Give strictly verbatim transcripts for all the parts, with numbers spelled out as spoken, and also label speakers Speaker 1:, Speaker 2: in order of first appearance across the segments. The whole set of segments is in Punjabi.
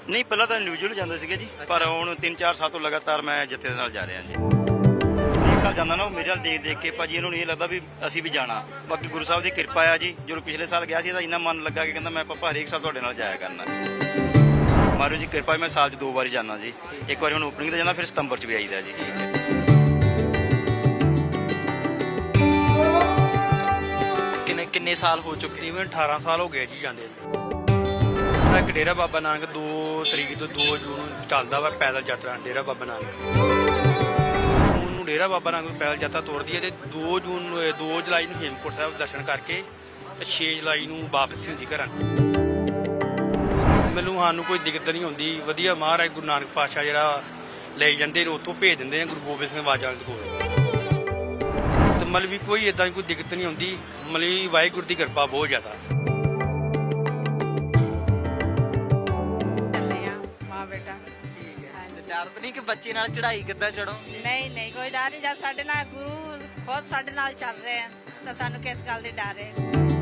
Speaker 1: नहीं पहला तो इंडिविजुअल जाते थे जी, पर हुण तीन चार साल तो लगातार मैं जत्थे दे नाल जा रहा जी। एक साल जाना ना मेरे नाल देख देख के भाजी इन्होंने ये लगता भी असीं भी जाना। बाकी गुरु साहब की कृपा है जी, जो पिछले साल गया सी इन्ना मन लगा कि कहंदा मैं पापा हरेक साल तुहाडे नाल जाया करना। महाराज जी कृपा मैं साल च दो बारी जाना जी, एक बार हुण ओपनिंग ते जाना, फिर सितंबर च भी आईदा जी।
Speaker 2: किन्ने किन्ने साल हो चुके?
Speaker 3: ਤਕਰੀਬਨ ਅਠਾਰਾਂ ਸਾਲ ਹੋ ਗਏ ਜੀ ਜਾਂਦੇ। ਇੱਕ ਡੇਰਾ ਬਾਬਾ ਨਾਨਕ ਦੋ ਤਰੀਕ ਤੋਂ ਦੋ ਜੂਨ ਨੂੰ ਚੱਲਦਾ ਵਾ ਪੈਦਲ ਯਾਤਰਾ ਡੇਰਾ ਬਾਬਾ ਨਾਨਕ। ਉਹਨੂੰ ਡੇਰਾ ਬਾਬਾ ਨਾਨਕ ਪੈਦਲ ਯਾਤਰਾ ਤੋਰਦੀ ਹੈ ਤੇ ਦੋ ਜੂਨ ਨੂੰ ਦੋ ਜੁਲਾਈ ਨੂੰ ਹੇਮਕੁੰਟ ਸਾਹਿਬ ਦਰਸ਼ਨ ਕਰਕੇ ਤੇ ਛੇ ਜੁਲਾਈ ਨੂੰ ਵਾਪਸੀ ਹੁੰਦੀ ਘਰਾਂ ਨੂੰ। ਮੈਨੂੰ ਸਾਨੂੰ ਕੋਈ ਦਿੱਕਤ ਨਹੀਂ ਹੁੰਦੀ, ਵਧੀਆ ਮਹਾਰਾਜ ਗੁਰੂ ਨਾਨਕ ਪਾਤਸ਼ਾਹ ਜਿਹੜਾ ਲੈ ਜਾਂਦੇ ਨੇ ਉੱਥੋਂ ਭੇਜ ਦਿੰਦੇ ਨੇ ਗੁਰੂ ਗੋਬਿੰਦ ਸਿੰਘ ਬਾਜਾ ਦੇ ਕੋਲ। ਤੇ ਮਤਲਬ ਵੀ ਕੋਈ ਇਦਾਂ ਦੀ ਕੋਈ ਦਿੱਕਤ ਨਹੀਂ ਹੁੰਦੀ, ਮਤਲਬ ਵਾਹਿਗੁਰੂ ਦੀ ਕਿਰਪਾ ਬਹੁਤ ਜ਼ਿਆਦਾ।
Speaker 2: ਡਰ ਤਾਂ ਨਹੀਂ ਕਿ ਬੱਚੇ ਨਾਲ ਚੜ੍ਹਾਈ ਕਿੱਦਾਂ ਚੜੋ?
Speaker 4: ਨਹੀਂ ਨਹੀਂ ਕੋਈ ਡਰ ਨਹੀਂ, ਜਦ ਸਾਡੇ ਨਾਲ ਗੁਰੂ ਖੁਦ ਸਾਡੇ ਨਾਲ ਚੱਲ ਰਹੇ ਆ ਤਾਂ ਸਾਨੂੰ ਕਿਸ ਗੱਲ ਦੀ ਡਰ ਹੈ।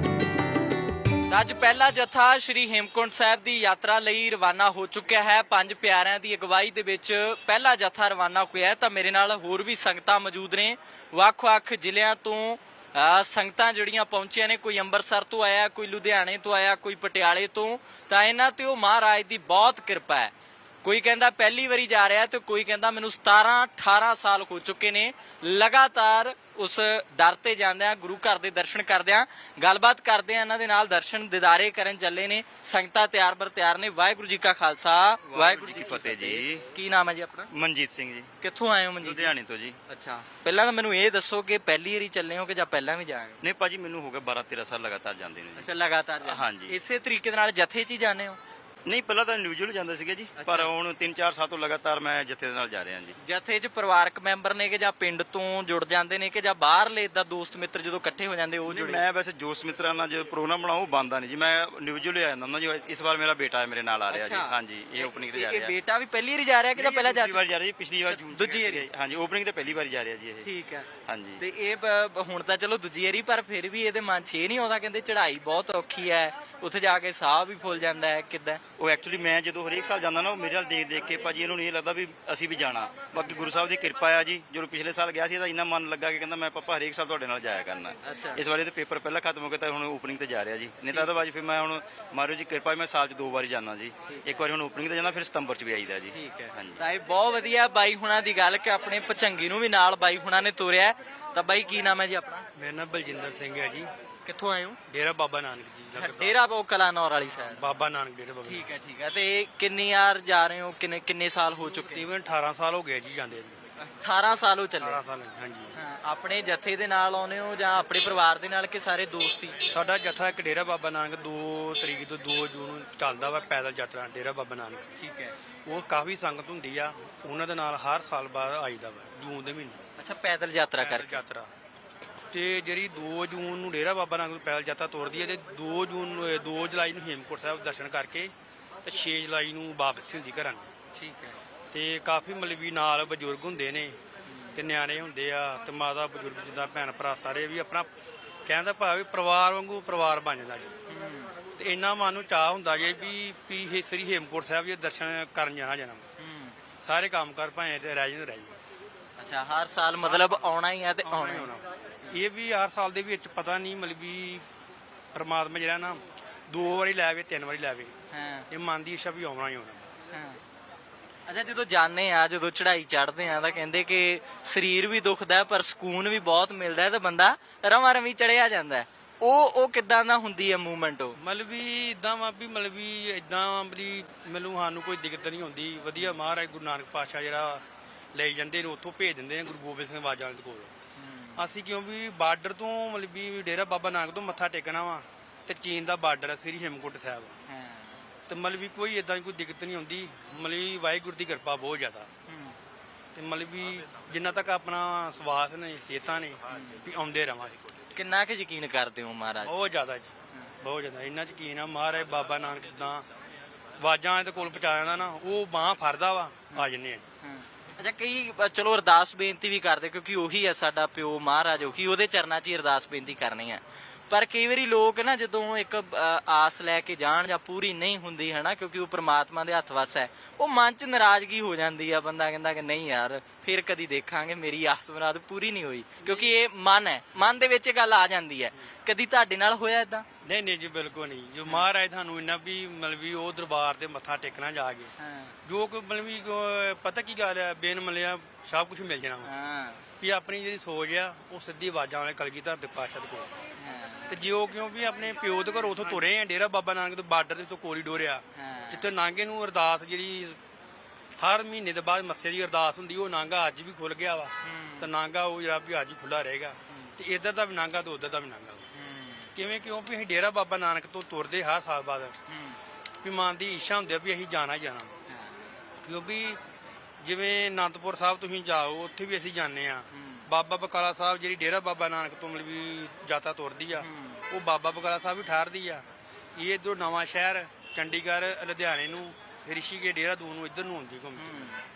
Speaker 2: ਅੱਜ ਪਹਿਲਾ ਜਥਾ ਸ਼੍ਰੀ ਹੇਮਕੁੰਟ ਸਾਹਿਬ ਦੀ ਯਾਤਰਾ ਲਈ ਰਵਾਨਾ ਹੋ ਚੁੱਕਿਆ ਹੈ। ਪੰਜ ਪਿਆਰਿਆਂ ਦੀ ਅਗਵਾਈ ਦੇ ਵਿੱਚ ਪਹਿਲਾ ਜਥਾ ਰਵਾਨਾ ਹੋਇਆ ਹੈ। ਤਾਂ ਮੇਰੇ ਨਾਲ ਹੋਰ ਵੀ ਸੰਗਤਾਂ ਮੌਜੂਦ ਨੇ, ਵੱਖ-ਵੱਖ ਜ਼ਿਲ੍ਹਿਆਂ ਤੋਂ ਸੰਗਤਾਂ ਜਿਹੜੀਆਂ ਪਹੁੰਚੀਆਂ ਨੇ। ਕੋਈ ਅੰਮ੍ਰਿਤਸਰ ਤੋਂ ਆਇਆ, ਕੋਈ ਲੁਧਿਆਣੇ ਤੋਂ ਆਇਆ, ਕੋਈ ਪਟਿਆਲੇ ਤੋਂ। ਤਾਂ ਇਹਨਾਂ ਤੇ ਉਹ ਮਹਾਰਾਜ ਦੀ ਬਹੁਤ ਕਿਰਪਾ ਹੈ। ਕੋਈ ਕਹਿੰਦਾ ਪਹਿਲੀ ਵਾਰੀ ਜਾ ਰਿਹਾ ਤੇ ਕੋਈ ਕਹਿੰਦਾ ਮੈਨੂੰ ਸਤਾਰਾਂ ਅਠਾਰਾਂ ਸਾਲ ਹੋ ਚੁੱਕੇ ਨੇ ਲਗਾਤਾਰ ਉਸ ਦਰ ਤੇ ਜਾਂਦਿਆਂ ਗੁਰੂ ਘਰ ਦੇ ਦਰਸ਼ਨ ਕਰਦਿਆਂ। ਗੱਲਬਾਤ ਕਰਦੇ ਆ ਇਹਨਾਂ ਦੇ ਨਾਲ, ਦਰਸ਼ਨ ਦਿਦਾਰੇ ਕਰਨ ਚੱਲੇ ਨੇ। ਸੰਗਤਾਂ ਤਿਆਰ ਬਰ ਤਿਆਰ ਨੇ। ਵਾਹਿਗੁਰੂ ਜੀ ਕਾ ਖਾਲਸਾ ਵਾਹਿਗੁਰੂ ਜੀ ਕੀ ਫਤਿਹ ਜੀ। ਕੀ ਨਾਮ ਹੈ ਜੀ ਆਪਣਾ?
Speaker 1: ਮਨਜੀਤ ਸਿੰਘ ਜੀ।
Speaker 2: ਕਿੱਥੋਂ ਆਏ ਹੋ ਮਨਜੀਤ?
Speaker 1: ਲੁਧਿਆਣੇ ਤੋਂ ਜੀ।
Speaker 2: ਅੱਛਾ, ਪਹਿਲਾਂ ਤਾਂ ਮੈਨੂੰ ਇਹ ਦੱਸੋ ਕਿ ਪਹਿਲੀ ਵਾਰੀ ਚੱਲੇ ਹੋ ਕਿ ਜਾਂ ਪਹਿਲਾਂ ਵੀ ਜਾਏ?
Speaker 1: ਨਹੀਂ ਭਾਜੀ ਮੈਨੂੰ ਹੋ ਗਿਆ ਬਾਰਾਂ ਤੇਰਾਂ ਸਾਲ ਲਗਾਤਾਰ ਜਾਂਦੇ ਨੇ ਜੀ।
Speaker 2: ਅੱਛਾ, ਲਗਾਤਾਰ ਜਾਂਦੇ।
Speaker 1: ਹਾਂਜੀ।
Speaker 2: ਇਸੇ ਤਰੀਕੇ ਦੇ ਨਾਲ ਜਥੇ 'ਚ ਹੀ ਜਾਂਦੇ ਹੋ?
Speaker 1: ਨਹੀਂ ਪਹਿਲਾਂ ਤਾਂ ਇੰਡੀਵਿਜੂਅਲ ਜਾਂਦੇ ਸੀਗੇ ਜੀ, ਪਰ ਹੁਣ ਤਿੰਨ ਚਾਰ ਸਾਲ ਤੋਂ ਲਗਾਤਾਰ ਮੈਂ ਜੱਥੇ ਦੇ ਨਾਲ ਜਾ ਰਿਹਾ ਜੀ।
Speaker 2: ਜਥੇ 'ਚ ਪਰਿਵਾਰਕ ਮੈਂਬਰ ਨੇ ਕਿ ਜਾਂ ਪਿੰਡ ਤੋਂ ਜੁੜ ਜਾਂਦੇ ਨੇ ਕਿ ਜਾਂ ਬਾਹਰਲੇ ਇਦਾਂ ਦੋਸਤ ਮਿੱਤਰ ਜਦੋਂ ਇਕੱਠੇ ਹੋ ਜਾਂਦੇ ਉਹ ਜੁੜੇ?
Speaker 1: ਮੈਂ ਵੈਸੇ ਦੋਸਤ ਮਿੱਤਰਾਂ ਨਾਲ ਜੋ ਪ੍ਰੋਗਰਾਮ ਬਣਾਉ ਉਹ ਬੰਦਾ ਨਹੀਂ ਜੀ, ਮੈਂ ਇੰਡੀਵਿਜੂਅਲ ਆ ਜਾਂਦਾ ਹੁੰਦਾ ਜੀ। ਇਸ ਵਾਰ ਮੇਰਾ ਬੇਟਾ ਹੈ ਮੇਰੇ ਨਾਲ ਆ ਰਿਹਾ ਜੀ। ਹਾਂਜੀ, ਇਹ ਓਪਨਿੰਗ ਤੇ ਜਾ ਰਿਹਾ।
Speaker 2: ਇਹ ਬੇਟਾ ਵੀ ਪਹਿਲੀ ਵਾਰੀ ਜਾ ਰਿਹਾ ਕਿ ਜਾਂ ਪਹਿਲਾਂ ਜਾ
Speaker 1: ਪਿਛਲੀ ਵਾਰ ਜਾ ਰਿਹਾ ਜੀ? ਪਿਛਲੀ ਵਾਰ ਜੂਨ
Speaker 2: ਦੂਜੀ ਵਾਰੀ।
Speaker 1: ਹਾਂਜੀ, ਓਪਨਿੰਗ ਤੇ ਪਹਿਲੀ ਵਾਰ ਜਾ ਰਿਹਾ ਜੀ ਇਹ।
Speaker 2: ਠੀਕ ਹੈ।
Speaker 1: ਹਾਂਜੀ।
Speaker 2: ਤੇ ਇਹ ਬ- ਹੁਣ ਤਾਂ ਚਲੋ ਦੂਜੀ ਵਾਰੀ, ਪਰ ਫਿਰ ਵੀ ਇਹਦੇ ਮਨ 'ਚ ਇਹ ਨਹੀਂ ਆਉਂਦਾ ਕਹਿੰਦੇ ਚੜ੍ਹਾਈ ਬਹੁਤ ਔਖੀ ਹੈ, ਉੱਥੇ ਜਾ ਕੇ ਸਾਹ ਵੀ ਫੁੱਲ ਜਾਂਦਾ ਹੈ, ਕਿੱਦਾਂ?
Speaker 1: ਉਹ ਐਕਚੁਅਲੀ ਮੈਂ ਜਦੋਂ ਹਰੇਕ ਸਾਲ ਜਾਂਦਾ ਨਾ ਉਹ ਮੇਰੇ ਨਾਲ ਦੇਖ ਦੇਖ ਕੇ ਭਾਜੀ ਇਹਨਾਂ ਨੂੰ ਇਹ ਲੱਗਦਾ ਵੀ ਅਸੀਂ ਵੀ ਜਾਣਾ। ਬਾਕੀ ਗੁਰੂ ਸਾਹਿਬ ਦੀ ਕਿਰਪਾ ਹੈ ਜੀ, ਜਦੋਂ ਪਿਛਲੇ ਸਾਲ ਗਿਆ ਸੀ ਤਾਂ ਇੰਨਾ ਮਨ ਲੱਗਾ ਕਿ ਕਹਿੰਦਾ ਮੈਂ ਪਾਪਾ ਹਰੇਕ ਸਾਲ ਤੁਹਾਡੇ ਨਾਲ ਜਾਇਆ ਕਰਨਾ। ਇਸ ਵਾਰੀ ਤੇ ਪੇਪਰ ਪਹਿਲਾਂ ਖਤਮ ਹੋ ਗਿਆ ਤਾਂ ਹੁਣ ਓਪਨਿੰਗ ਤੇ ਜਾ ਰਿਹਾ ਜੀ। ਨਹੀਂ ਤਾਂ ਅਦਰਵਾਈਜ਼ ਫਿਰ ਮੈਂ ਹੁਣ ਮਹਾਰਾਜ ਜੀ ਕਿਰਪਾ ਮੈਂ ਸਾਲ 'ਚ ਦੋ ਵਾਰੀ ਜਾਣਾ ਜੀ। ਇੱਕ ਵਾਰੀ ਹੁਣ ਓਪਨਿੰਗ ਤੇ ਜਾਣਾ, ਫਿਰ ਸਤੰਬਰ 'ਚ ਵੀ ਆਈਦਾ ਜੀ।
Speaker 2: ਠੀਕ ਹੈ।
Speaker 1: ਹਾਂਜੀ।
Speaker 2: ਤਾਂ ਇਹ ਬਹੁਤ ਵਧੀਆ ਬਾਈ ਹੁਣਾਂ ਦੀ ਗੱਲ ਕਿ ਆਪਣੇ ਭਚੰਗੀ ਨੂੰ ਵੀ ਨਾਲ ਬਾਈ ਹੁਣਾਂ ਨੇ ਤੋਰਿਆ। ਤਾਂ ਬਾਈ ਕੀ ਨਾਮ ਹੈ ਜੀ ਆਪਣਾ?
Speaker 3: ਮੇਰਾ ਨਾਮ ਬਲਜਿੰਦਰ ਸਿੰਘ ਹੈ ਜੀ।
Speaker 2: ਕਿੱਥੋਂ ਆਏ ਹੋ?
Speaker 3: ਡੇਰਾ ਬਾਬਾ ਨਾਨਕ ਜੀ ਦਾ।
Speaker 2: ਡੇਰਾ ਉਹ ਕਲਾਨੌਰ ਵਾਲੀ ਸਾਈਡ।
Speaker 3: ਬਾਬਾ ਨਾਨਕ ਡੇਰਾ ਬਾਬਾ।
Speaker 2: ਠੀਕ ਹੈ ਠੀਕ ਹੈ। ਤੇ ਕਿੰਨੀ ਯਾਰ ਜਾ ਰਹੇ ਹੋ? ਕਿੰਨੇ ਕਿੰਨੇ ਸਾਲ ਹੋ ਚੁੱਕੇ?
Speaker 3: ਤਕਰੀਬਨ ਅਠਾਰਾਂ ਸਾਲ ਹੋ ਗਏ ਜੀ ਜਾਂਦੇ।
Speaker 2: ਅਠਾਰਾਂ ਸਾਲ ਹੋ ਚੱਲੇ।
Speaker 3: ਅਠਾਰਾਂ ਸਾਲ ਹਾਂਜੀ।
Speaker 2: ਹਾਂ, ਆਪਣੇ ਜਥੇ ਦੇ ਨਾਲ ਆਉਨੇ ਹੋ ਜਾਂ ਆਪਣੇ ਪਰਿਵਾਰ ਦੇ ਨਾਲ ਕਿ ਸਾਰੇ ਦੋਸਤ ਹੀ?
Speaker 3: ਸਾਡਾ ਜਥਾ ਇੱਕ ਡੇਰਾ ਬਾਬਾ ਨਾਨਕ ਦੋ ਤਰੀਕ ਤੋਂ ਦੋ ਜੂਨ ਨੂੰ ਚੱਲਦਾ ਵਾ ਪੈਦਲ ਯਾਤਰਾ ਡੇਰਾ ਬਾਬਾ ਨਾਨਕ।
Speaker 2: ਠੀਕ ਹੈ।
Speaker 3: ਉਹ ਕਾਫੀ ਸੰਗਤ ਹੁੰਦੀ ਆ, ਉਹਨਾਂ ਦੇ ਨਾਲ ਹਰ ਸਾਲ ਬਾਅਦ ਆਈਦਾ ਵਾ ਜੂਨ ਦੇ ਮਹੀਨੇ
Speaker 2: ਅੱਛਾ, ਪੈਦਲ ਯਾਤਰਾ
Speaker 3: ਪੈਦਲ
Speaker 2: ਕਰਕੇ।
Speaker 3: ਯਾਤਰਾ। ਤੇ ਜਿਹੜੀ ਦੋ ਜੂਨ ਨੂੰ ਡੇਰਾ ਬਾਬਾ ਨਾਨਕ ਪੈਦਲ ਯਾਤਰਾ ਤੋਰਦੀ ਹੈ ਤੇ ਦੋ ਜੂਨ ਨੂੰ ਦੋ ਜੁਲਾਈ ਨੂੰ ਹੇਮਕੁੰਟ ਸਾਹਿਬ ਦਰਸ਼ਨ ਕਰਕੇ ਤੇ ਛੇ ਜੁਲਾਈ ਨੂੰ ਵਾਪਸੀ ਹੁੰਦੀ ਘਰਾਂ ਨੂੰ।
Speaker 2: ਠੀਕ ਹੈ।
Speaker 3: ਤੇ ਕਾਫੀ ਮਤਲਬ ਵੀ ਨਾਲ ਬਜ਼ੁਰਗ ਹੁੰਦੇ ਨੇ ਤੇ ਨਿਆਣੇ ਹੁੰਦੇ ਆ ਤੇ ਮਾਤਾ ਬਜ਼ੁਰਗ ਜਿੱਦਾਂ ਭੈਣ ਭਰਾ ਸਾਰੇ ਵੀ ਆਪਣਾ ਕਹਿੰਦਾ ਭਾਵੇਂ ਪਰਿਵਾਰ ਵਾਂਗੂ ਪਰਿਵਾਰ ਬਣ ਜਾਂਦਾ ਜੀ। ਤੇ ਇੰਨਾ ਮਨ ਨੂੰ ਚਾਹ ਹੁੰਦਾ ਜੇ ਵੀ ਵੀ ਇਹ ਸ੍ਰੀ ਹੇਮਕੁੰਟ ਸਾਹਿਬ ਦੇ ਦਰਸ਼ਨ ਕਰਨ ਜਾਣਾ ਜਾਣਾ। ਸਾਰੇ ਕੰਮ ਕਰ ਭਾਵੇਂ ਤੇ ਰਹਿ ਜਾਂਦੇ ਰਹਿ ਜਾਂਦੇ।
Speaker 2: ਅੱਛਾ, ਹਰ ਸਾਲ ਮਤਲਬ ਆਉਣਾ ਹੀ ਹੈ ਤੇ
Speaker 3: ਆਉਣਾ
Speaker 2: ਆਉਣਾ
Speaker 3: ਹੀ
Speaker 2: ਹੀ
Speaker 3: ਆਉਣਾ। ਇਹ ਵੀ ਹਰ ਸਾਲ ਦੇ ਵਿੱਚ ਪਤਾ ਨਹੀਂ ਮਤਲਬ ਵੀ ਪਰਮਾਤਮਾ ਜਿਹੜਾ ਨਾ ਦੋ ਵਾਰੀ ਲੈ ਆਵੇ ਤਿੰਨ ਵਾਰੀ ਲੈ ਆਵੇ,
Speaker 2: ਹਾਂ
Speaker 3: ਇਹ ਮਨ ਦੀ ਇੱਛਾ ਵੀ ਆਉਣਾ ਹੀ ਆਉਣਾ।
Speaker 2: ਹਾਂ। ਅੱਛਾ, ਜਦੋਂ ਜਾਂਦੇ ਆ, ਜਦੋਂ ਚੜ੍ਹਾਈ ਚੜ੍ਹਦੇ ਆ ਤਾਂ ਕਹਿੰਦੇ ਕਿ ਸਰੀਰ ਵੀ ਦੁਖਦਾ ਪਰ ਸਕੂਨ ਵੀ ਬਹੁਤ ਮਿਲਦਾ ਹੈ ਤੇ ਬੰਦਾ ਰਵਾਂ ਰਵੀ ਚੜਿਆ ਜਾਂਦਾ ਹੈ। ਉਹ ਉਹ ਕਿੱਦਾਂ ਦਾ ਹੁੰਦੀ ਹੈ ਮੂਵਮੈਂਟ? ਉਹ
Speaker 3: ਮਤਲਬ ਵੀ ਇਦਾਂ ਵਾ ਵੀ ਮਤਲਬ ਵੀ ਇਦਾਂ ਵੀ ਮੈਨੂੰ ਸਾਨੂੰ ਕੋਈ ਦਿੱਕਤ ਨਹੀਂ ਹੁੰਦੀ, ਵਧੀਆ ਮਹਾਰਾਜ ਗੁਰੂ ਨਾਨਕ ਪਾਤਸ਼ਾਹ ਜਿਹੜਾ ਲੈ ਜਾਂਦੇ ਨੇ ਉੱਥੋਂ ਭੇਜ ਦਿੰਦੇ ਨੇ ਗੁਰੂ ਗੋਬਿੰਦ ਸਿੰਘ ਬਾਜਾ ਦੇ ਕੋਲ। ਅਸੀਂ ਕਿਉਂ ਵੀ ਬਾਰਡਰ ਤੋਂ ਮਤਲਬ ਵੀ ਡੇਰਾ ਬਾਬਾ ਨਾਨਕ ਤੋਂ ਮੱਥਾ ਟੇਕਣਾ ਵਾ ਤੇ ਚੀਨ ਦਾ ਬਾਰਡਰ ਹੈ ਸ੍ਰੀ ਹੇਮਕੁੰਟ ਸਾਹਿਬ। ਤੇ ਮਤਲਬ ਵੀ ਕੋਈ ਇਦਾਂ ਦੀ ਕੋਈ ਦਿੱਕਤ ਨਹੀਂ ਹੁੰਦੀ, ਮਤਲਬ ਵੀ ਵਾਹਿਗੁਰੂ ਦੀ ਕਿਰਪਾ ਬਹੁਤ ਜ਼ਿਆਦਾ। ਤੇ ਮਤਲਬ ਵੀ ਜਿੰਨਾ ਤੱਕ ਆਪਣਾ ਸਵਾਸ ਨੇ ਸਿਹਤਾਂ ਨੇ ਵੀ ਆਉਂਦੇ ਰਵਾਂਗੇ।
Speaker 2: ਕਿੰਨਾ ਕੁ ਯਕੀਨ ਕਰਦੇ ਹੋ ਮਹਾਰਾਜ?
Speaker 3: ਬਹੁਤ ਜ਼ਿਆਦਾ ਜੀ, ਬਹੁਤ ਜ਼ਿਆਦਾ। ਇੰਨਾ ਯਕੀਨ ਆ ਮਹਾਰਾਜ ਬਾਬਾ ਨਾਨਕ ਜਿੱਦਾਂ ਆਵਾਜ਼ਾਂ ਦੇ ਕੋਲ ਪਹੁੰਚਾ ਜਾਂਦਾ ਨਾ, ਉਹ ਬਾਂਹ ਫੜਦਾ ਵਾ ਆ ਜੰਨੇ ਆ।
Speaker 2: ਅੱਛਾ, ਕਈ ਚਲੋ ਅਰਦਾਸ ਬੇਨਤੀ ਵੀ ਕਰਦੇ ਕਿਉਂਕਿ ਉਹੀ ਹੈ ਸਾਡਾ ਪਿਓ ਮਹਾਰਾਜ, ਉਹੀ ਉਹਦੇ ਚਰਨਾਂ 'ਚ ਹੀ ਅਰਦਾਸ ਬੇਨਤੀ ਕਰਨੀ ਆ। ਪਰ ਕਈ ਵਾਰੀ ਲੋਕ ਨਾ ਜਦੋਂ ਇੱਕ ਅ, ਆਸ ਲੈ ਕੇ ਜਾਣ ਜਾਂ ਪੂਰੀ ਨਹੀਂ ਹੁੰਦੀ ਹੈ ਨਾ, ਕਿਉਂਕਿ ਉਹ ਪ੍ਰਮਾਤਮਾ ਦੇ ਹੱਥ ਵੱਸ ਹੈ, ਉਹ ਮਨ 'ਚ ਨਾਰਾਜ਼ਗੀ ਹੋ ਜਾਂਦੀ ਆ। ਬੰਦਾ ਕਹਿੰਦਾ ਕਿ ਨਹੀਂ ਯਾਰ ਫਿਰ ਕਦੀ ਦੇਖਾਂਗੇ, ਮੇਰੀ ਆਸ ਮੁਰਾਦ ਪੂਰੀ ਨਹੀਂ ਹੋਈ, ਕਿਉਂਕਿ ਇਹ ਮਨ ਹੈ, ਮਨ ਦੇ ਵਿੱਚ ਇਹ ਗੱਲ ਆ ਜਾਂਦੀ ਹੈ। ਕਦੀ ਤੁਹਾਡੇ ਨਾਲ ਹੋਇਆ ਇਦਾਂ?
Speaker 3: ਨਹੀਂ ਨਹੀਂ ਜੀ, ਬਿਲਕੁਲ ਨਹੀਂ। ਜੋ ਮਹਾਰਾਜ ਤੁਹਾਨੂੰ ਇੰਨਾ ਵੀ ਮਤਲਬ ਵੀ ਉਹ ਦਰਬਾਰ ਤੇ ਮੱਥਾ ਟੇਕਣਾ ਜਾ ਕੇ, ਜੋ ਕਿ ਮਤਲਬ ਵੀ ਕੋ- ਪਤਾ ਕੀ ਗੱਲ ਹੈ, ਬੇਨ ਮਲਿਆ ਸਭ ਕੁਝ ਮਿਲ ਜਾਣਾ ਵਾ।
Speaker 2: ਹਾਂ
Speaker 3: ਵੀ ਆਪਣੀ ਜਿਹੜੀ ਸੋਚ ਆ ਉਹ ਸਿੱਧੀ ਆਵਾਜ਼ਾਂ ਵਾਲੇ ਕਲਗੀਧਰ ਦੇ ਪਾਤਸ਼ਾਹ ਦੇ ਕੋਲ, ਤੇ ਜਿਉ ਕਿਉਂ ਵੀ ਆਪਣੇ ਪਿਓ ਦੇ ਘਰ ਉਥੋਂ ਤੁਰੇ ਆ, ਡੇਰਾ ਬਾਬਾ ਨਾਨਕ ਤੋਂ ਬਾਰਡਰ ਦੇ ਤੋਂ ਕੋਰੀਡੋਰ ਆ, ਜਿੱਥੇ ਨਾਂਗੇ ਨੂੰ ਅਰਦਾਸ ਜਿਹੜੀ ਹਰ ਮਹੀਨੇ ਦੇ ਬਾਅਦ ਮੱਸੇ ਦੀ ਅਰਦਾਸ ਹੁੰਦੀ, ਉਹ ਨਾਂਗਾ ਅੱਜ ਵੀ ਖੁੱਲ ਗਿਆ ਵਾ, ਤੇ ਨਾਂਗਾ ਉਹ ਜਿਹੜਾ ਵੀ ਅੱਜ ਖੁੱਲਾ ਰਹੇਗਾ, ਤੇ ਇੱਧਰ ਦਾ ਵੀ ਨਾਂਗਾ ਤੇ ਉੱਧਰ ਦਾ ਵੀ ਨਾਂਗਾ। ਕਿਵੇਂ ਕਿਉਂ ਵੀ ਅਸੀਂ ਡੇਰਾ ਬਾਬਾ ਨਾਨਕ ਤੋਂ ਤੁਰਦੇ ਹਰ ਸਾਲ ਬਾਅਦ, ਵੀ ਮਨ ਦੀ ਇੱਛਾ ਹੁੰਦੀ ਆ ਵੀ ਅਸੀਂ ਜਾਣਾ ਹੀ ਜਾਣਾ, ਕਿਉਂਕਿ ਜਿਵੇਂ ਅਨੰਦਪੁਰ ਸਾਹਿਬ ਤੁਸੀਂ ਜਾਓ, ਉੱਥੇ ਵੀ ਅਸੀਂ ਜਾਂਦੇ ਆ। ਬਾਬਾ ਬਕਾਲਾ ਸਾਹਿਬ ਜਿਹੜੀ ਡੇਰਾ ਬਾਬਾ ਨਾਨਕ ਤੋਂ ਮਤਲਬ ਵੀ ਯਾਤਰਾ ਤੁਰਦੀ ਆ, ਉਹ ਬਾਬਾ ਬਕਾਲਾ ਸਾਹਿਬ ਵੀ ਠਹਿਰਦੀ ਆ। ਇਹ ਇੱਧਰੋਂ ਨਵਾਂ ਸ਼ਹਿਰ, ਚੰਡੀਗੜ੍ਹ, ਲੁਧਿਆਣੇ ਨੂੰ, ਰਿਸ਼ੀਕੇਸ਼, ਦੇਹਰਾਦੂਨ ਨੂੰ ਇੱਧਰ ਨੂੰ ਹੁੰਦੀ ਘੁੰਮ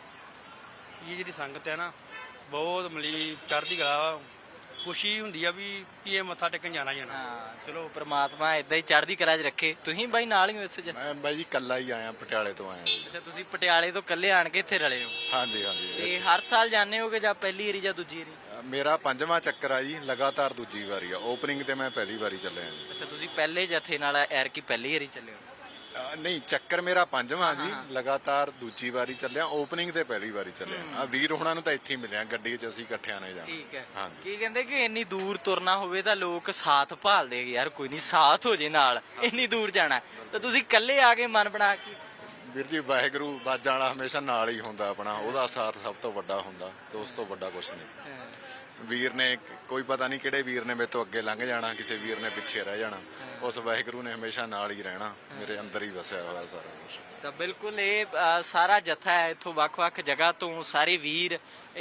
Speaker 3: ਕੇ। ਇਹ ਜਿਹੜੀ ਸੰਗਤ ਹੈ ਨਾ, ਬਹੁਤ ਮਲੀ ਚੜ੍ਹਦੀ ਕਲਾ, ਖੁਸ਼ੀ ਹੁੰਦੀ ਆ ਵੀ ਕੀ ਇਹ ਮੱਥਾ ਟੇਕਣ ਜਾਣਾ ਜਾਣਾ।
Speaker 2: ਹਾਂ ਚਲੋ ਪ੍ਰਮਾਤਮਾ ਇਦਾਂ ਹੀ ਚੜ੍ਹਦੀ ਕਲਾ 'ਚ ਰੱਖੇ। ਤੁਸੀਂ ਬਾਈ ਨਾਲ ਹੀ ਹੋ ਇਸ 'ਚ?
Speaker 5: ਮੈਂ ਬਾਈ ਜੀ ਕੱਲਾ ਹੀ ਆਇਆ, ਪਟਿਆਲੇ ਤੋਂ ਆਇਆ ਜੀ।
Speaker 2: ਅੱਛਾ, ਤੁਸੀਂ ਪਟਿਆਲੇ ਤੋਂ ਇਕੱਲੇ ਆਣ ਕੇ ਇੱਥੇ ਰਲੇ ਹੋ?
Speaker 5: ਹਾਂਜੀ ਹਾਂਜੀ।
Speaker 2: ਤੇ ਹਰ ਸਾਲ ਜਾਂਦੇ ਹੋਗੇ ਜਾਂ ਪਹਿਲੀ ਵਾਰੀ ਜਾਂ ਦੂਜੀ ਵਾਰੀ?
Speaker 5: ਅ, ਮੇਰਾ ਪੰਜਵਾਂ ਚੱਕਰ ਆ ਜੀ, ਲਗਾਤਾਰ ਦੂਜੀ ਵਾਰੀ ਆ। ਓਪਨਿੰਗ ਤੇ ਮੈਂ ਪਹਿਲੀ ਵਾਰੀ ਚੱਲਿਆ ਜੀ।
Speaker 2: ਅੱਛਾ, ਤੁਸੀਂ ਪਹਿਲੇ ਜਥੇ ਨਾਲ ਐਰ ਕੀ ਪਹਿਲੀ ਵਾਰੀ ਚੱਲੇ ਹੋ?
Speaker 5: ਅ, ਨਹੀਂ, ਚੱਕਰ ਮੇਰਾ ਪੰਜਵਾਂ ਜੀ, ਲਗਾਤਾਰ ਦੂਜੀ ਵਾਰੀ ਚੱਲਿਆ। ਓਪਨਿੰਗ ਤੇ ਪਹਿਲੀ ਵਾਰੀ ਚੱਲਿਆ। ਆ ਵੀਰ ਹੋਣਾ ਨੂੰ ਤਾਂ ਇੱਥੇ ਹੀ ਮਿਲਿਆ, ਗੱਡੀ 'ਚ ਅਸੀਂ ਇਕੱਠਿਆਂ ਨੇ ਜਾਣਾ।
Speaker 2: ਠੀਕ ਹੈ।
Speaker 5: ਹਾਂਜੀ।
Speaker 2: ਕੀ ਕਹਿੰਦੇ ਕਿ ਇੰਨੀ ਦੂਰ ਤੁਰਨਾ ਹੋਵੇ ਤਾਂ ਲੋਕ ਸਾਥ ਭਾਲਦੇ ਹੈਗੇ, ਯਾਰ ਕੋਈ ਨਹੀਂ ਸਾਥ ਹੋ ਜੇ ਨਾਲ, ਇੰਨੀ ਦੂਰ ਜਾਣਾ, ਤਾਂ ਤੁਸੀਂ ਇਕੱਲੇ ਆ ਕੇ ਮਨ ਬਣਾ ਕੇ?
Speaker 5: ਵੀਰ ਜੀ, ਵਾਹਿਗੁਰੂ ਬਾਜਾਂ ਵਾਲਾ ਹਮੇਸ਼ਾ ਨਾਲ ਹੀ ਹੁੰਦਾ ਆਪਣਾ, ਉਹਦਾ ਸਾਥ ਸਭ ਤੋਂ ਵੱਡਾ ਹੁੰਦਾ, ਤੇ ਉਸ ਤੋਂ ਵੱਡਾ ਕੁਝ ਨਹੀਂ। ਵੀਰ ਨੇ ਕੋਈ ਪਤਾ ਨਹੀਂ ਕਿਹੜੇ ਵੀਰ ਨੇ ਮੇਰੇ ਤੋਂ ਅੱਗੇ ਲੰਘ ਜਾਣਾ, ਕਿਸੇ ਵੀਰ ਨੇ ਪਿੱਛੇ ਰਹਿ ਜਾਣਾ, ਉਸ ਵਾਹਿਗੁਰੂ ਨੇ ਹਮੇਸ਼ਾ ਨਾਲ ਹੀ ਰਹਿਣਾ, ਮੇਰੇ ਅੰਦਰ ਹੀ ਵਸਿਆ ਹੋਇਆ ਸਾਰਾ ਕੁਝ।
Speaker 2: ਤਾਂ ਬਿਲਕੁਲ ਇਹ ਅ, ਸਾਰਾ ਜਥਾ ਹੈ ਇੱਥੋਂ ਵੱਖ-ਵੱਖ ਜਗ੍ਹਾ ਤੋਂ, ਸਾਰੇ ਵੀਰ,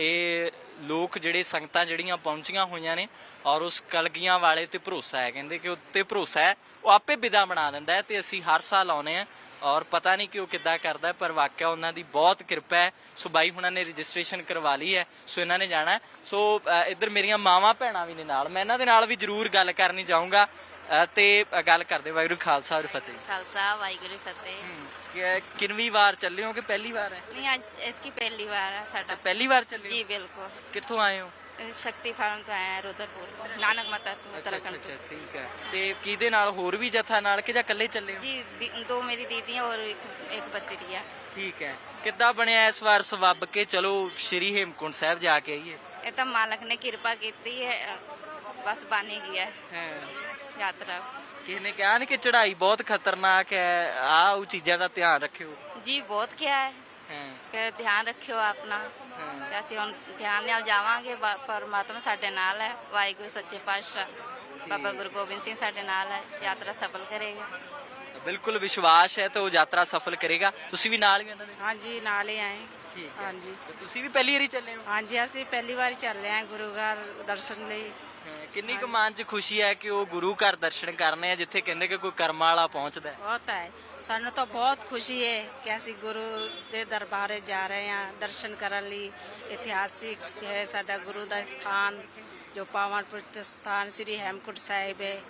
Speaker 2: ਇਹ ਲੋਕ ਜਿਹੜੇ ਸੰਗਤਾਂ ਜਿਹੜੀਆਂ ਪਹੁੰਚੀਆਂ ਹੋਈਆਂ ਨੇ, ਔਰ ਉਸ ਕਲਗੀਆਂ ਵਾਲੇ ਤੇ ਭਰੋਸਾ ਹੈ, ਕਹਿੰਦੇ ਕਿ ਉੱਤੇ ਭਰੋਸਾ ਹੈ, ਉਹ ਆਪੇ ਵਿਦਾ ਬਣਾ ਦਿੰਦਾ ਹੈ, ਤੇ ਅਸੀਂ ਹਰ ਸਾਲ ਆਉਨੇ ਆ, ਔਰ ਪਤਾ ਨਹੀਂ ਕਿ ਉਹ ਕਿੱਦਾਂ ਕਰਦਾ, ਪਰ ਵਾਕਿਆ ਉਹਨਾਂ ਦੀ ਬਹੁਤ ਕਿਰਪਾ ਹੈ। ਸੋ ਬਾਈ ਹੁਣਾਂ ਨੇ ਰਜਿਸਟ੍ਰੇਸ਼ਨ ਕਰਵਾ ਲਈ ਹੈ, ਸੋ ਇਹਨਾਂ ਨੇ ਜਾਣਾ ਹੈ। ਸੋ ਅ, ਇੱਧਰ ਮੇਰੀਆਂ ਮਾਵਾਂ ਭੈਣਾਂ ਵੀ ਨੇ ਨਾਲ, ਮੈਂ ਇਹਨਾਂ ਦੇ ਨਾਲ ਵੀ ਜ਼ਰੂਰ ਗੱਲ ਕਰਨੀ ਚਾਹੂੰਗਾ, ਅ, ਤੇ ਅ, ਗੱਲ ਕਰਦੇ। ਵਾਹਿਗੁਰੂ ਖਾਲਸਾ ਔਰ ਫਤਿਹ।
Speaker 6: ਖਾਲਸਾ ਵਾਹਿਗੁਰੂ ਫਤਿਹ।
Speaker 2: ਕਿ- ਕਿੰਨਵੀਂ ਵਾਰ ਚੱਲੇ ਹੋ ਕਿ ਪਹਿਲੀ ਵਾਰ ਹੈ?
Speaker 6: ਨਹੀਂ, ਅੱਜ ਇਤਕੀ ਪਹਿਲੀ ਵਾਰ ਹੈ ਸਾਡਾ।
Speaker 2: ਪਹਿਲੀ ਵਾਰ ਚੱਲੇ
Speaker 6: ਜੀ
Speaker 2: ਹੋ?
Speaker 6: ਬਿਲਕੁਲ।
Speaker 2: ਕਿੱਥੋਂ ਆਏ ਹੋ?
Speaker 6: ਅਹ ਸ਼ਕਤੀ ਫਾਰਮ ਤੋਂ ਆਇਆ, ਰੁਦਰਪੁਰ ਤੋਂ, ਨਾਨਕ ਮਾਤਾ ਤੋਂ, ਉੱਤਰਾਖੰਡ ਤੋਂ।
Speaker 2: ਠੀਕ ਹੈ। ਤੇ ਕਿਹਦੇ ਨਾਲ, ਹੋਰ ਵੀ ਜਥਾ ਨਾਲ ਕਿ ਜਾਂ ਇਕੱਲੇ ਚੱਲੇ ਹੋ?
Speaker 6: ਜੀ ਦੀ- ਦੋ ਮੇਰੀ ਦੀਦੀਆਂ ਔਰ ਇੱਕ ਇੱਕ ਬਤਰੀਆ।
Speaker 2: ਠੀਕ ਹੈ। ਕਿੱਦਾਂ ਬਣਿਆ ਇਸ ਵਾਰ ਸਵੱਬ ਕੇ ਚਲੋ ਸ਼੍ਰੀ ਹੇਮਕੁੰਟ ਸਾਹਿਬ ਜਾ ਕੇ ਆਈਏ?
Speaker 6: ਇਹ ਤਾਂ ਮਾਲਕ ਨੇ ਕਿਰਪਾ ਕੀਤੀ ਹੈ, ਅਹ ਬਸ ਬਣ ਹੀ ਗਿਆ
Speaker 2: ਹਾਂ।
Speaker 6: ਯਾਤਰਾ।
Speaker 2: ਕਿਸੇ ਨੇ ਕਿਹਾ ਨੀ ਕਿ ਚੜ੍ਹਾਈ ਬਹੁਤ ਖਤਰਨਾਕ ਹੈ, ਆਹ ਉਹ ਚੀਜ਼ਾਂ ਦਾ ਧਿਆਨ ਰੱਖਿਓ?
Speaker 6: ਜੀ ਬਹੁਤ ਕਿਹਾ ਹੈ
Speaker 2: ਹਾਂ
Speaker 6: ਕਿ ਧਿਆਨ ਰੱਖਿਓ ਆਪਣਾ, ਤੇ ਅਸੀਂ ਹੁਣ ਧਿਆਨ ਨਾਲ ਜਾਵਾਂਗੇ। ਬਾ- ਪਰਮਾਤਮਾ ਸਾਡੇ ਨਾਲ ਹੈ, ਵਾਹਿਗੁਰੂ ਸੱਚੇ ਪਾਤਸ਼ਾਹ ਬਾਬਾ ਗੁਰੂ ਗੋਬਿੰਦ ਸਿੰਘ ਸਾਡੇ ਨਾਲ ਹੈ, ਯਾਤਰਾ ਸਫਲ ਕਰੇਗਾ।
Speaker 2: ਬਿਲਕੁਲ ਵਿਸ਼ਵਾਸ ਹੈ ਤੇ ਉਹ ਯਾਤਰਾ ਸਫਲ ਕਰੇਗਾ। ਤੁਸੀਂ ਵੀ ਨਾਲ ਹੀ ਉਹਨਾਂ ਦੇ?
Speaker 7: ਹਾਂਜੀ, ਨਾਲ ਹੀ ਆਏ।
Speaker 2: ਠੀਕ ਹੈ।
Speaker 7: ਹਾਂਜੀ
Speaker 2: ਤੇ ਤੁਸੀਂ ਵੀ ਪਹਿਲੀ ਵਾਰੀ ਚੱਲੇ ਹੋ?
Speaker 7: ਹਾਂਜੀ, ਅਸੀਂ ਪਹਿਲੀ ਵਾਰ ਚੱਲੇ ਆਂ ਗੁਰੂ ਘਰ ਦਰਸ਼ਨ ਲਈ।
Speaker 2: ਹਾਂ, ਕਿੰਨੀ ਕੁ ਮਨ 'ਚ ਖੁਸ਼ੀ ਹੈ ਕਿ ਉਹ ਗੁਰੂ ਘਰ ਦਰਸ਼ਨ ਕਰਨੇ ਆ, ਜਿੱਥੇ ਕਹਿੰਦੇ ਕਿ ਕੋਈ ਕਰਮਾਂ ਵਾਲਾ ਪਹੁੰਚਦਾ ਹੈ?
Speaker 7: ਬਹੁਤ ਹੈ, ਸਾਨੂੰ ਤਾਂ ਬਹੁਤ ਖੁਸ਼ੀ ਹੈ ਕਿ ਅਸੀਂ ਗੁਰੂ ਦੇ ਦਰਬਾਰੇ ਜਾ ਰਹੇ ਹਾਂ ਦਰਸ਼ਨ ਕਰਨ ਲਈ। ਇਤਿਹਾਸਿਕ ਹੈ ਸਾਡਾ ਗੁਰੂ ਦਾ ਸਥਾਨ, ਜੋ ਪਾਵਨ ਪਵਿੱਤਰ ਸਥਾਨ ਸ੍ਰੀ ਹੇਮਕੁੰਟ ਸਾਹਿਬ ਹੈ।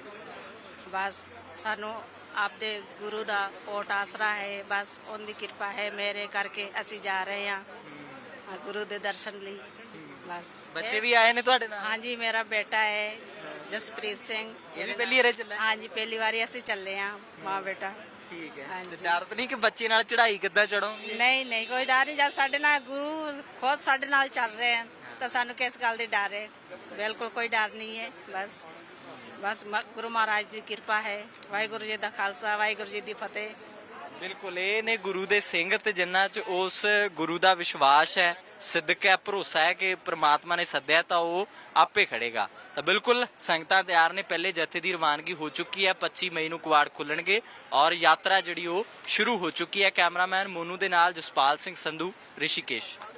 Speaker 7: ਬਸ ਸਾਨੂੰ ਆਪਦੇ ਗੁਰੂ ਦਾ ਓਟ ਆਸਰਾ ਹੈ, ਬਸ ਉਹਦੀ ਕਿਰਪਾ ਹੈ, ਮੇਰੇ ਕਰਕੇ ਅਸੀਂ ਜਾ ਰਹੇ ਹਾਂ ਗੁਰੂ ਦੇ ਦਰਸ਼ਨ ਲਈ। ਬਸ
Speaker 2: ਬੱਚੇ ਵੀ ਆਏ ਨੇ ਤੁਹਾਡੇ ਨਾਲ?
Speaker 7: ਹਾਂਜੀ, ਮੇਰਾ ਬੇਟਾ ਹੈ ਜਸਪ੍ਰੀਤ ਸਿੰਘ।
Speaker 2: ਇਹ ਵੀ ਪਹਿਲੀ ਵਾਰੀ ਚੱਲੇ?
Speaker 7: ਹਾਂਜੀ, ਪਹਿਲੀ ਵਾਰੀ ਅਸੀਂ ਚੱਲੇ ਹਾਂ ਮਾਂ ਬੇਟਾ।
Speaker 2: ਠੀਕ ਹੈ।
Speaker 7: ਹਾਂਜੀ।
Speaker 2: ਤੇ ਡਰ ਤਾਂ ਨਹੀਂ ਕਿ ਬੱਚੇ ਨਾਲ ਚੜ੍ਹਾਈ ਕਿੱਦਾਂ ਚੜੋਗੇ?
Speaker 7: ਨਹੀਂ ਨਹੀਂ, ਕੋਈ ਡਰ ਨਹੀਂ, ਜਦ ਸਾਡੇ ਨਾਲ ਗੁਰੂ ਖੁਦ ਸਾਡੇ ਨਾਲ ਚੱਲ ਰਹੇ ਹਨ ਤਾਂ ਸਾਨੂੰ ਕਿਸ ਗੱਲ ਦੀ ਡਰ ਹੈ? ਬਿਲਕੁਲ ਕੋਈ ਡਰ ਨਹੀਂ ਹੈ। ਬਸ ਬਸ ਮ- ਗੁਰੂ ਮਹਾਰਾਜ ਦੀ ਕਿਰਪਾ ਹੈ। ਵਾਹਿਗੁਰੂ ਜੀ ਦਾ ਖਾਲਸਾ, ਵਾਹਿਗੁਰੂ ਜੀ ਦੀ ਫਤਿਹ।
Speaker 2: ਬਿਲਕੁਲ, ਇਹ ਨੇ ਗੁਰੂ ਦੇ ਸਿੰਘ ਤੇ ਜਿਨ੍ਹਾਂ 'ਚ ਉਸ ਗੁਰੂ ਦਾ ਵਿਸ਼ਵਾਸ ਹੈ, ਸਿੱਧਕ ਹੈ, ਭਰੋਸਾ ਹੈ ਕਿ ਪ੍ਰਮਾਤਮਾ ਨੇ ਸੱਦਿਆ ਤਾਂ ਉਹ ਆਪੇ ਖੜੇਗਾ। ਤਾਂ ਬਿਲਕੁਲ ਸੰਗਤਾਂ ਤਿਆਰ ਨੇ, ਪਹਿਲੇ ਜਥੇ ਦੀ ਰਵਾਨਗੀ ਹੋ ਚੁੱਕੀ ਹੈ, ਪੱਚੀ ਮਈ ਨੂੰ ਕੁਆੜ ਖੁੱਲਣਗੇ ਔਰ ਯਾਤਰਾ ਜਿਹੜੀ ਉਹ ਸ਼ੁਰੂ ਹੋ ਚੁੱਕੀ ਹੈ। ਕੈਮਰਾਮੈਨ ਮੋਨੂ ਦੇ ਨਾਲ ਜਸਪਾਲ ਸਿੰਘ ਸੰਧੂ, ਰਿਸ਼ੀਕੇਸ਼।